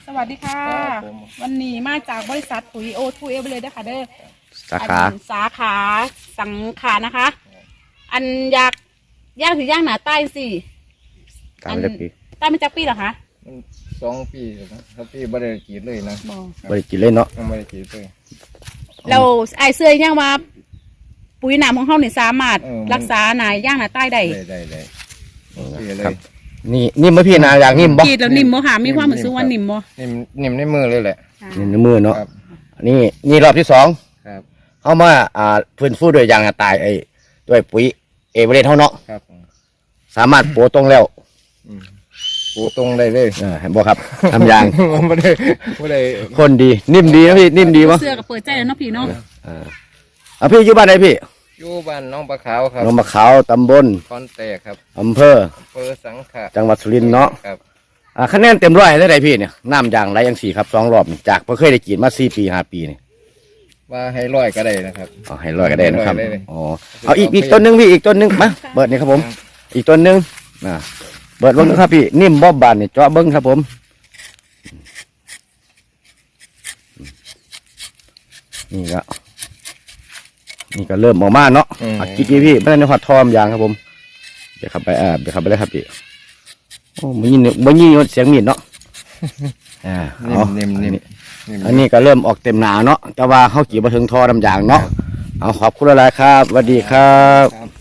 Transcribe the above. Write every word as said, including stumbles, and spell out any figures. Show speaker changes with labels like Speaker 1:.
Speaker 1: สวัสดีค่ะ
Speaker 2: ครับผม
Speaker 1: วันนี้มาจากบริษัทปุ๋ยโอทูเอเวเลยนะคะเด้อ
Speaker 3: สาขา
Speaker 1: อันสาขาสังขานะคะ อันอยากย่างถือย่างหนาใต้สิ
Speaker 3: ตามเล็บปี
Speaker 1: ใต้ไม่จักปีเหรอคะ
Speaker 2: มันสองปีครับปีบ่ได้กรีดเลยนะ
Speaker 1: บอก
Speaker 3: บริกินเล่นเนาะ
Speaker 2: ยังไม่ได้กรีดเลย
Speaker 1: เราไอายเสื้อย่างว่าปุ๋ยหนามของเขาเนี่ยสามารถ
Speaker 2: เออ
Speaker 1: รักษาหนาย่างหนาใต้ได้
Speaker 2: ได้ได้ได้ปีเล
Speaker 3: ครับ
Speaker 2: ย
Speaker 3: นี่นิ่มไหมพี่นาอยากนิ่มบ่
Speaker 1: กรีดแล้วนิ่มบ่ค่ะมีความรู้สึกว่า
Speaker 2: นิ่
Speaker 1: นิ่ม
Speaker 2: ม
Speaker 1: บ่
Speaker 2: นิ่มนิ่มในมือเลยแหละ
Speaker 1: ค่ะ
Speaker 3: นิ่มในมือเนาะ
Speaker 2: ครับ
Speaker 3: นี่นี่รอบที่สอง
Speaker 2: ครับ
Speaker 3: เข้ามาอ่าฟื้นฟูด้วยยางตายไอ้ด้วยปุ๋ยเอเวอเรสต์เท่าเนาะ
Speaker 2: ครับ
Speaker 3: สามารถโปะตรงแล้ว
Speaker 2: อืมปูตรงได้เลย
Speaker 3: เออเห็นบ่ครับทำยาง
Speaker 2: ไม่ได้ไม่ได้
Speaker 3: คนดีนิ่มดีนะพี่นิ่มดีวะ
Speaker 1: เสื้อกับเปิดใจแล้วเนาะพี่เนาะ
Speaker 3: อ่าเอาพี่อยู่บ้านไหนพี่
Speaker 2: อยู่บ้านน้องปลาขาวครับ
Speaker 3: หนองมะขาวตำบล
Speaker 2: คอนแตกครับ
Speaker 3: อำเภอ
Speaker 2: อำเภอสังขะ
Speaker 3: จังหวัดสุรินทร์เนาะ
Speaker 2: ครับ
Speaker 3: อ่าคะแนนเต็มร้อยได้ไหนพี่เนี่ยน้ำยางไหลยังสี่ครับสองรอบนี่จากเพิ่งเคยได้กินมาสี่ปีห้าปีนี่
Speaker 2: ว่าให้ร้อยก็ได้นะครับ
Speaker 3: เอาให้ร้อยก็ได้นะครับ
Speaker 2: ให้ร้อยได้เลย
Speaker 3: อ๋อเอาอีกอีกต้นหนึงพี่อีกต้นหนึงมาเบิดนี่ครับผม อีกต้นหนึงนะเบิดเบิ้งครับพี่นิ่มบอบบานนี่เจาะเบิ้งครับผมนี่ก็นี่ก็เริ่มออกมาเนาะ
Speaker 2: อืม
Speaker 3: อัดกี่กี่พี่ไม่ได้ในหอดทอมยางครับผมเดี๋ยวขับไปอ่าเดี๋ยวขับไปเลยครับพี่โอ้มันยินมันยินเสียงมีดเนาะอ่า
Speaker 2: นิ่
Speaker 3: เอา
Speaker 2: มนิ่มนิ่ม
Speaker 3: อันนี้ก็เริ่มออกเต็มหนาเนาะแต่ว่าเขากี่มาถึงทอดำยางเนาะเอาขอบคุณหลายๆครับสวัสดีครับ
Speaker 2: ครับ